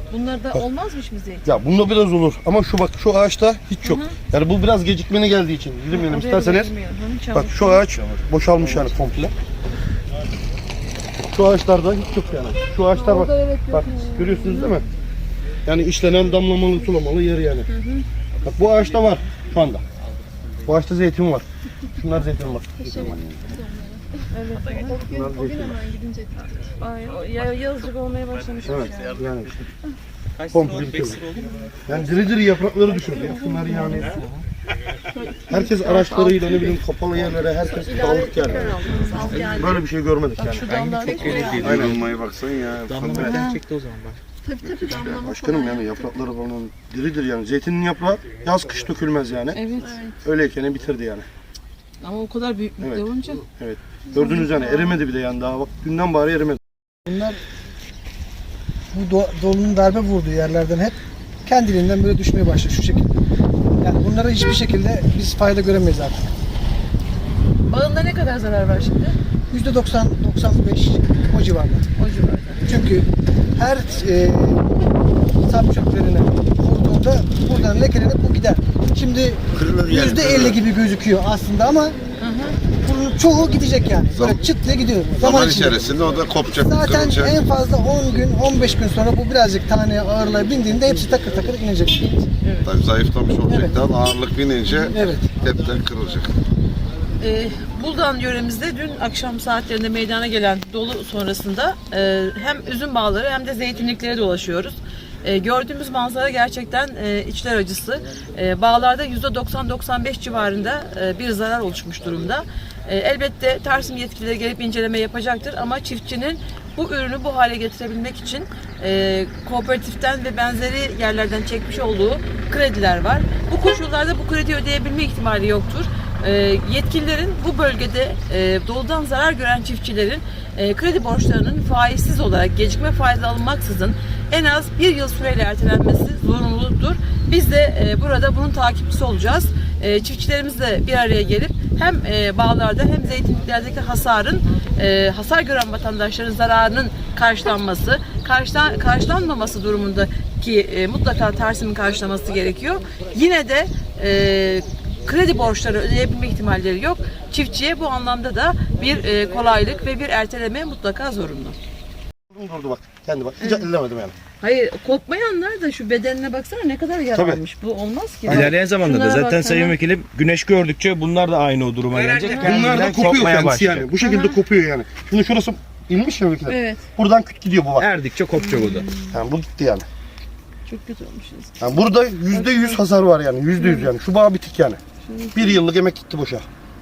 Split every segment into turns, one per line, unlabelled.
Bunlar da olmazmış mı zeytin?
Ya bunda biraz olur ama şu bak şu ağaçta hiç yok. Yani bu biraz gecikmeli geldiği için. Girmeyelim isterseniz. Bak şu ağaç boşalmış yani komple. Şu ağaçlarda hiç yok yani. Şu ağaçlar bak. Bak görüyorsunuz değil mi? Yani işlenen damlamalı sulamalı yer yani. Bak bu ağaçta var şu anda. Bu ağaçta zeytin var. Şunlar zeytin var.
Evet. O gün hemen gidince yazıcık olmaya başlamış.
Evet yani işte. Komple bitirdi. Yani diri diri yaprakları düşürdü. Ya. Bunlar yani. Herkes araçlarıyla ne bileyim kapalı yerlere herkes kaldık yani. Böyle bir şey görmedik yani.
Çok öyle damlamaya baksan ya.
Damlamadan çekti o zaman bak.
Tabii damlama.
Başkanım yani yaprakları falan diridir yani. Zeytinin yaprağı yaz kış dökülmez yani.
Evet.
Öyleyken bitirdi yani.
Ama o kadar büyüklükte olunca.
Evet. Gördünüz yani erimedi bir de yani daha bak dünden bari erimedi.
Bunlar bu dolunun darbe vurduğu yerlerden hep kendiliğinden böyle düşmeye başladı şu şekilde. Yani bunlara hiçbir şekilde biz fayda göremeyiz artık.
Bağında ne kadar zarar var şimdi?
%90-95 o civarda.
O civarda.
Çünkü her sap çöplerine vurduğunda buradan lekelenip bu gider. Şimdi %50 gibi gözüküyor aslında ama bunun çoğu gidecek yani. Böyle çıt diye gidiyor.
Zaman içerisinde o da kopacak.
Zaten
kırılacak.
en fazla 10 gün, 15 gün sonra bu birazcık taneye ağırlığa bindiğinde hepsi takır takır inecek.
Tabii zayıflamış olacak daha ağırlık binince
Evet.
hepten kırılacak.
Buldan yöremizde dün akşam saatlerinde meydana gelen dolu sonrasında hem üzüm bağları hem de zeytinliklere dolaşıyoruz. Gördüğümüz manzara gerçekten içler acısı. Bağlarda %90-95 civarında bir zarar oluşmuş durumda. Elbette Tarsim yetkilileri gelip inceleme yapacaktır ama çiftçinin bu ürünü bu hale getirebilmek için kooperatiften ve benzeri yerlerden çekmiş olduğu krediler var. Bu koşullarda bu kredi ödeyebilme ihtimali yoktur. Yetkililerin bu bölgede doludan zarar gören çiftçilerin kredi borçlarının faizsiz olarak gecikme faizi alınmaksızın en az bir yıl süreyle ertelenmesi zorunludur. Biz de burada bunun takipçisi olacağız. Çiftçilerimizle bir araya gelip hem bağlarda hem zeytinliklerdeki hasar gören vatandaşların zararının karşılanması, karşılanmaması durumundaki mutlaka Tarsim'in karşılaması gerekiyor. Yine de kredi borçları ödeyebilme ihtimalleri yok. Çiftçiye bu anlamda da bir kolaylık ve bir erteleme mutlaka zorunlu.
Durdu bak kendi bak hiç ellemedim yani.
Hayır, kopmayanlar da şu bedenine baksana ne kadar yaralanmış. Bu olmaz ki.
İlerleyen zamanda da
Şunlara
zaten
bak,
Sayın Vekilim güneş gördükçe bunlar da aynı o duruma gelecek.
Bunlar da
Kendinden
kopuyor
kopmaya
kendisi
başlayacak.
yani. Bu şekilde kopuyor yani. Şimdi şurası inmiş ya Vekilim.
Evet.
Buradan küt gidiyor bu bak.
Erdikçe kopacak o da.
Yani bu gitti yani.
Çok kötü olmuşuz.
Yani burada %100 hasar var yani. %100 yani. Şu bağ bitik yani. Bir yıllık emek gitti boşa.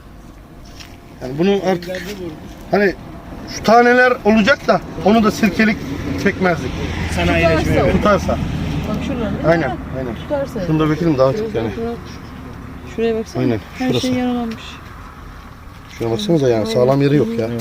Yani bunu artık hani şu taneler olacak da onu da sirkelik çekmezdik.
Sanayileşmeye.
Tutarsa.
Bak şuradan değil mi?
Aynen. Aynen.
Tutarsa.
Şunu da Vekilim daha çok yani.
Şuraya baksana.
Aynen,
Her
şurası.
şey yaralanmış.
Şuna baksanıza yani sağlam yeri yok ya.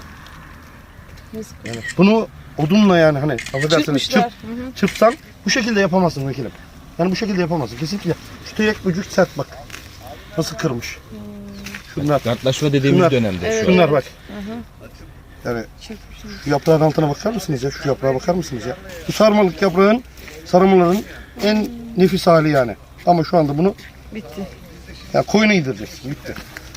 Yazık.
Yani bunu odunla yani hani affedersiniz
Çırpmışlar.
çırpsan bu şekilde yapamazsın Vekilim. Yani bu şekilde yapamazsın kesinlikle. Şu tek ucu sert bak. Nasıl kırmış. Şunlar.
Kartlaşma dediğimiz
Şunlar.
dönemde şu an.
Şunlar bak. Yani şu yaprağın altına bakar mısınız ya? Şu yaprağa bakar mısınız ya? Bu sarmalık yaprağın, sarmaların en nefis hali yani. Ama şu anda bunu
Bitti.
yani koyuna yedireceksin. Bitti.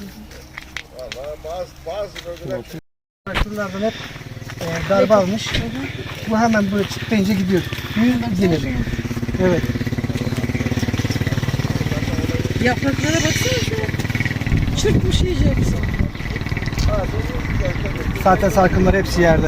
Şuralardan hep darbe almış. Bu hemen böyle çıkınca gidiyor. Yüz gelir. Evet.
Yapraklara baksana şöyle. Çırpmış iyice hepsi.
Zaten sarkımlar hepsi yerde.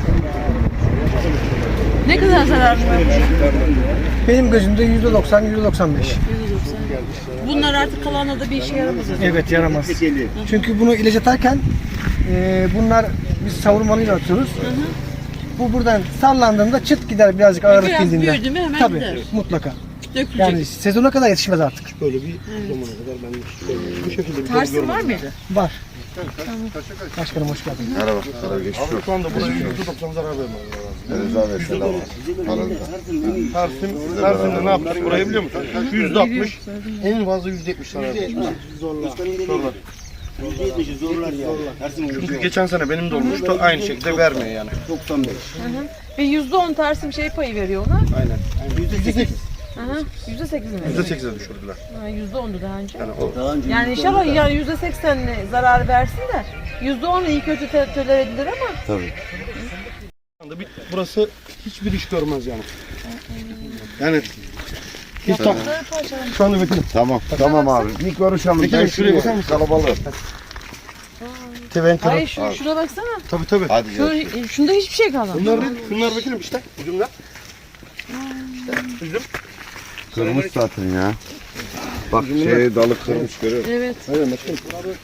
Ne kadar zararlı var?
Benim gözümde %90-%95.
Bunlar artık kalanla da bir işe yaramaz.
Evet yaramaz. Çünkü bunu ilaç atarken bunlar biz savurmalıyla atıyoruz. Bu buradan sallandığında çıt gider birazcık ağırlık
Biraz
bildiğinde.
büyüdü mü hemen
Tabii
gider.
mutlaka.
Dökülecek.
Yani sezona kadar yetişmez artık.
Böyle bir zamana kadar ben bu şekilde bir
Tarsim var mıydı?
Var. Başkanım hoş geldin.
Merhaba. Merhaba. Geçmiş olsun.
şu anda buraya %90 zarar vermez.
Rıza Bey selam. Arada.
Tarsim'de ne yapmış burayı biliyor musun? %60, en fazla %70 zarar vermiş. Zorla. Çünkü geçen sene benim de olmuştu. Aynı şekilde vermiyor yani. 95.
Ve %10 tersim şey payı veriyor ona.
Aynen. %8.
%8 mi?
%8'e düşürdüler.
%10'du daha önce.
Yani o
Yani inşallah yani %80 zarar versin de %10 iyi kötü tolere edilir ama.
Tabii.
anda burası hiçbir iş görmez yani. Yani hiç tam şu anda vekilim.
Tamam abi. Bir konuşalım.
Vekilim şuraya bakar mısın?
Kalabalık.
Teven kırık.
Hayır şuna baksana.
Tabii.
Hadi gel.
Şunda hiçbir şey kalmadı.
Şunlar vekilim işte. Üzümler. İşte üzüm.
Kırmış zaten ya. Bak şey dalı kırmış görüyor musun?
Evet.
Aynen başkanım.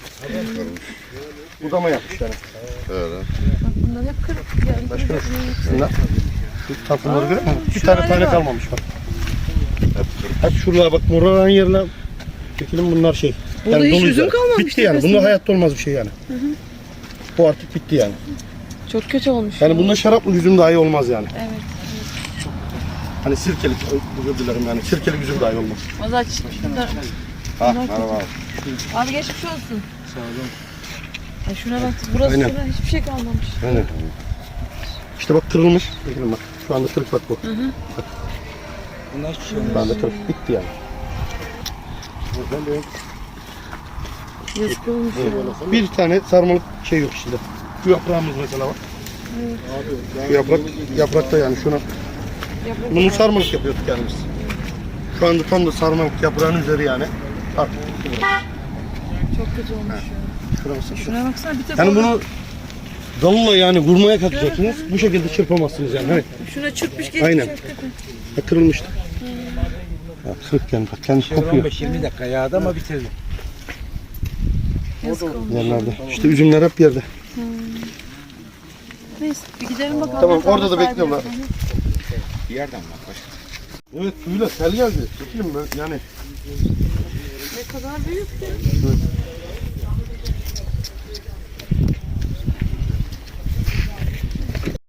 Budama yapmış yani.
Öyle.
Bunlar hep kırık. Yani
Başkanım şunlar. Şu takımları görüyor musun? Bir
şu
tane
hale bak.
kalmamış bak. Hep şuralara bak moralan yerine vekilim bunlar şey.
Burada hiç
doluydu
üzüm
yani.
kalmamış
Bitti yani.
tepesinde.
Bunda hayatta olmaz bir şey yani. Bu artık bitti yani.
Çok kötü olmuş.
Yani bunda şaraplı üzüm dahi olmaz yani.
Evet.
Hani sirkelik, özür dilerim yani sirkelik üzüm dahi olmaz.
O zaman şunlar.
Ha merhaba abi.
Abi geçmiş olsun. Sağ olun. Ay şuna bak. Burası
Aynen.
şuna hiçbir şey kalmamış.
Aynen. İşte bak kırılmış. Bakın bak. Şu anda kırık bak bu. Bak. Şu anda kırık. Bitti yani.
Yazık olmuş ya.
Bir tane sarmalık şey yok içinde. Şu yaprağımız mesela var. Şu yaprakta yani şuna. Bunu sarmalık yapıyorduk yani biz. Şu anda tam da sarmalık yaprağın üzeri yani. Artık.
Çok kötü olmuş ya.
Şurası.
Şuna baksana bir tek
Yani
orada-
bunu dalılla yani vurmaya kalkacaksınız. Bu şekilde çırpamazsınız yani. Hani
Şuna çırpmış geçmiş.
Aynen.
hakikaten.
kırılmıştı. Ya kırık yani bak kendisi kopuyor
15-20 dakika yağdı ama bitirdi.
Yazık olmuş.
yerlerde. İşte üzümler hep yerde.
Neyse bir gidelim bakalım.
Tamam
Hesabı
orada da
sahibi.
bekliyorlar.
Bir yerden bak başka.
Evet suyla sel geldi. Çekeyim ben yani.
Ne kadar büyük ki.